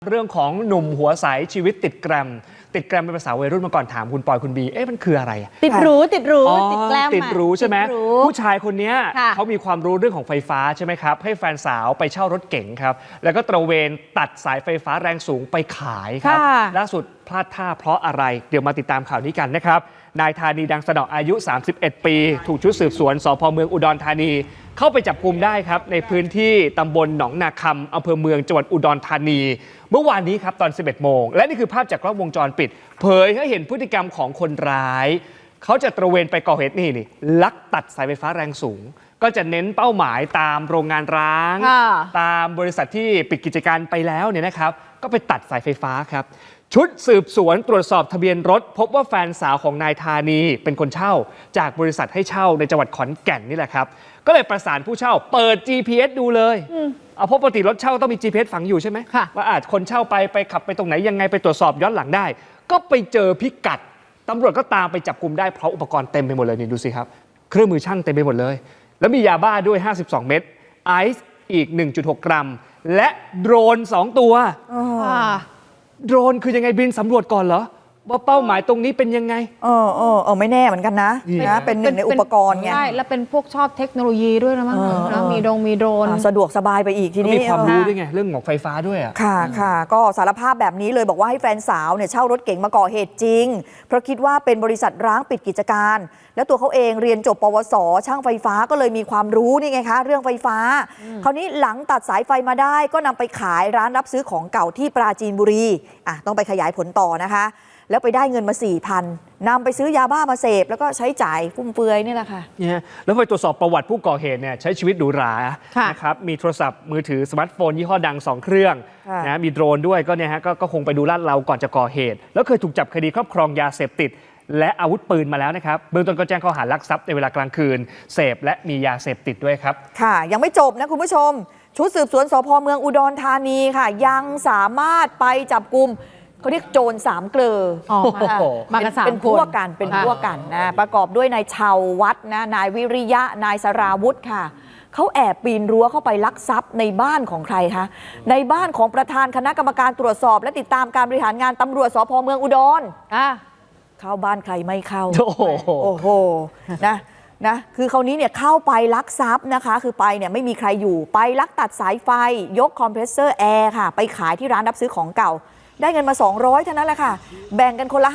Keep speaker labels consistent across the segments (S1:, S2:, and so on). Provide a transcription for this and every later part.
S1: เรื่องของหนุ่มหัวใสชีวิตติดแกรมเป็นภาษาวัยรุ่นมาก่อนถามคุณปอยคุณบีมันคืออะไร
S2: ติดหรูติดแกรม
S1: ติดหรูใช่ไหมผู้ชายคนนี้เขามีความรู้เรื่องของไฟฟ้าใช่ไหมครับให้แฟนสาวไปเช่ารถเก๋งครับแล้วก็ตระเวนตัดสายไฟฟ้าแรงสูงไปขายครับล่าสุดพลาดท่าเพราะอะไรเดี๋ยวมาติดตามข่าวนี้กันนะครับนายธานีดังสนออายุ31ปีถูกชุดสืบสวนสพ.เมืองอุดรธานีเข้าไปจับกุมได้ครับในพื้นที่ตำบลหนองนาคำอำเภอเมืองจังหวัดอุดรธานีเมื่อวานนี้ครับตอน 11 โมงและนี่คือภาพจากกล้องวงจรปิดเผยให้เห็นพฤติกรรมของคนร้ายเขาจะตระเวนไปก่อเหตุนี่ลักตัดสายไฟฟ้าแรงสูงก็จะเน้นเป้าหมายตามโรงงานร้างตามบริษัทที่ปิดกิจการไปแล้วเนี่ยนะครับก็ไปตัดสายไฟฟ้าครับชุดสืบสวนตรวจสอบทะเบียนรถพบว่าแฟนสาวของนายธานีเป็นคนเช่าจากบริษัทให้เช่าในจังหวัดขอนแก่นนี่แหละครับก็เลยประสานผู้เช่าเปิด GPS ดูเลยเพราะปกติรถเช่าต้องมี GPS ฝังอยู่ใช่ไหมว่าคนเช่าไปขับไปตรงไหนยังไงไปตรวจสอบย้อนหลังได้ก็ไปเจอพิกัดตำรวจก็ตามไปจับกุมได้เพราะอุปกรณ์เต็มไปหมดเลยนี่ดูสิครับเครื่องมือช่างเต็มไปหมดเลยแล้วมียาบ้าด้วย52เม็ดไอซ์อีก 1.6 กรัมและโดรน2ตัวโดรนคือยังไงบินสำรวจก่อนเหรอว่าเป้าหมายตรงนี้เป็นยังไง
S3: ไม่แน่เหมือนกันนะเป็นหนึ่งในอุปกรณ์ไง
S2: ใช่แล้วเป็นพวกชอบเทคโนโลยีด้วยนะมั้งแล้วมีโดรน
S3: สะดวกสบายไปอีกทีนี้
S1: มีความรู้ด้วยไงเรื่องของไฟฟ้าด้วย
S3: ค่ะก็สารภาพแบบนี้เลยบอกว่าให้แฟนสาวเนี่ยเช่ารถเก๋งมาก่อเหตุจริงเพราะคิดว่าเป็นบริษัทร้างปิดกิจการแล้วตัวเขาเองเรียนจบปวสช่างไฟฟ้าก็เลยมีความรู้นี่ไงคะเรื่องไฟฟ้าคราวนี้หลังตัดสายไฟมาได้ก็นำไปขายร้านรับซื้อของเก่าที่ปราจีนบุรีต้องไปขยายผลต่อนะคะแล้วไปได้เงินมา 4,000 นำไปซื้อยาบ้ามาเสพแล้วก็ใช้จ่ายฟุ่มเฟือยนี่แหละค่ะ
S1: แล้วไปตรวจสอบประวัติผู้ก่อเหตุเนี่ยใช้ชีวิตหรูหรานะครับมีโทรศัพท์มือถือสมาร์ทโฟนยี่ห้อดัง2เครื่องนะมีโดรนด้วยก็เนี่ยฮะก็คงไปดูลาดเราก่อนจะก่อเหตุแล้วเคยถูกจับคดีครอบครองยาเสพติดและอาวุธปืนมาแล้วนะครับเบื้องต้นก็แจ้งข้อหาลักทรัพย์ในเวลากลางคืนเสพและมียาเสพติดด้วยครับ
S3: ค่ะยังไม่จบนะคุณผู้ชมชุดสืบสวนสพ.เมืองอุดรธานีค่ะยังสามารถไปจับกุมเขาเรียกโจร3 เกลอ
S2: มากัน3
S3: เป็นพวกกันนะประกอบด้วยนายชาววัดนะนายวิริยะนายสราวุธค่ะเขาแอบปีนรั้วเข้าไปลักทรัพย์ในบ้านของใครคะในบ้านของประธานคณะกรรมการตรวจสอบและติดตามการบริหารงานตำรวจสพ.เมืองอุดรเข้าบ้านใครไม่เข้าโอ้โหนะคือคราวนี้เนี่ยเข้าไปลักทรัพย์นะคะคือไปเนี่ยไม่มีใครอยู่ไปลักตัดสายไฟยกคอมเพรสเซอร์แอร์ค่ะไปขายที่ร้านรับซื้อของเก่าได้เงินมา200เท่านั้นแหละค่ะแบ่งกันคนละ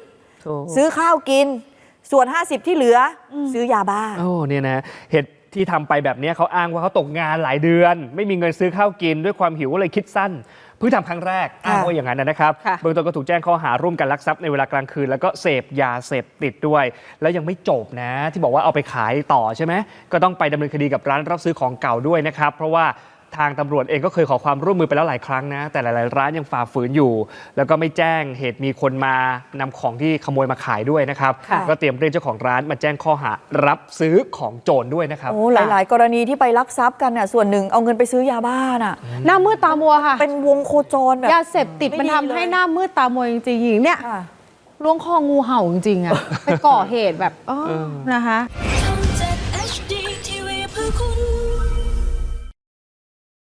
S3: 50ซื้อข้าวกินส่วน50ที่เหลือซื้อยาบ้า
S1: เนี่ยนะเหตุที่ทำไปแบบนี้เขาอ้างว่าเขาตกงานหลายเดือนไม่มีเงินซื้อข้าวกินด้วยความหิวก็เลยคิดสั้นเพิ่งทำครั้งแรกอ้างว่าอย่างนั้นนะครับเบื้องต้นก็ถูกแจ้งข้อหาร่วมกันลักทรัพย์ในเวลากลางคืนแล้วก็เสพยาเสพติดด้วยแล้วยังไม่จบนะที่บอกว่าเอาไปขายต่อใช่ไหมก็ต้องไปดำเนินคดีกับร้านรับซื้อของเก่าด้วยนะครับเพราะว่าทางตำรวจเองก็เคยขอความร่วมมือไปแล้วหลายครั้งนะแต่หลายๆร้านยังฝ่าฝืนอยู่แล้วก็ไม่แจ้งเหตุมีคนมานำของที่ขโมยมาขายด้วยนะครับก็เตรียมเรียกเจ้าของร้านมาแจ้งข้อหารับซื้อของโจรด้วยนะครับ
S3: หลายๆกรณีที่ไปลักทรัพย์กันน่ะส่วนหนึ่งเอาเงินไปซื้อยาบ้าน่ะ
S2: หน้ามืดตามัวค่ะ
S3: เป็นวงโคจรแบบ
S2: ยาเสพติดมันทำให้หน้ามืดตามัวจริงๆเนี่ยล้วงคองูเห่าจริงๆไปก่อเหตุแบบนะคะ